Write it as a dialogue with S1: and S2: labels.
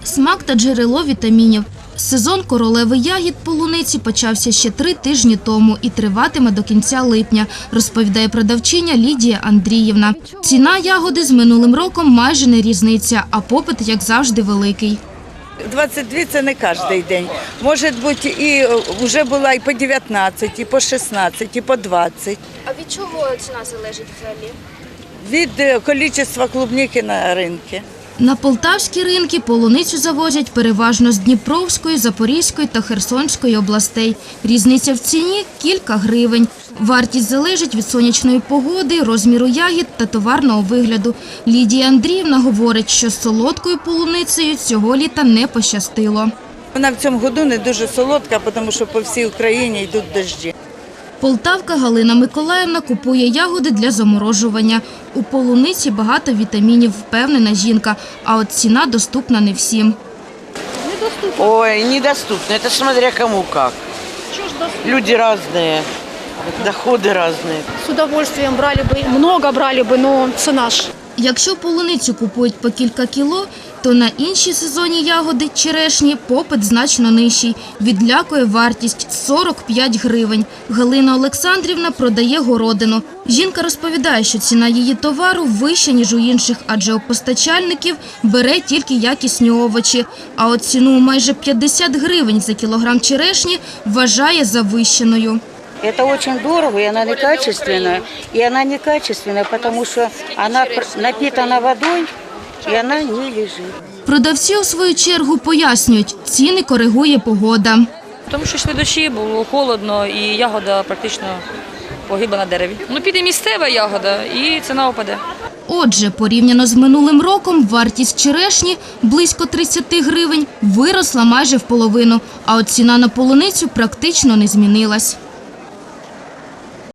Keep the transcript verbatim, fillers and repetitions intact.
S1: Смак та джерело вітамінів. Сезон королеви ягід полуниці почався ще три тижні тому і триватиме до кінця липня, розповідає продавчиня Лідія Андріївна. Ціна ягоди з минулим роком майже не різниця, а попит, як завжди, великий.
S2: двадцять дві – це не кожен день. Може бути, і вже була і по дев'ятнадцять, і по шістнадцять, і по двадцять.
S3: А від чого ціна залежить взагалі?
S2: Від кількості клубніки на ринку.
S1: На полтавські ринки полуницю завозять переважно з Дніпровської, Запорізької та Херсонської областей. Різниця в ціні – кілька гривень. Вартість залежить від сонячної погоди, розміру ягід та товарного вигляду. Лідія Андріївна говорить, що з солодкою полуницею цього літа не пощастило.
S2: Вона в цьому году не дуже солодка, тому що по всій Україні йдуть дощі.
S1: Полтавка Галина Миколаївна купує ягоди для заморожування. У полуниці багато вітамінів, впевнена жінка, а от ціна доступна не всім.
S4: Ой, недоступно, это смотря кому как. Люди разные, доходы разные.
S5: С удовольствием брали бы, много брали бы, но цена ж.
S1: Якщо полуницю купують по кілька кіло, то на інші сезонні ягоди черешні попит значно нижчий. Відлякує вартість – сорок п'ять гривень. Галина Олександрівна продає городину. Жінка розповідає, що ціна її товару вища, ніж у інших, адже у постачальників бере тільки якісні овочі. А от ціну майже п'ятдесят гривень за кілограм черешні вважає завищеною.
S6: Это очень дорого, и она некачественная. И она некачественная, потому что она напитана водой, и она не лежит.
S1: Продавці, у свою чергу, пояснюють, ціни коригує погода.
S7: Тому що йшли дощі, було холодно і ягода практично погибла на дереві. Ну, піде місцева ягода і ціна опаде.
S1: Отже, порівняно з минулим роком, вартість черешні близько тридцять гривень виросла майже в половину, а от ціна на полуницю практично не змінилась.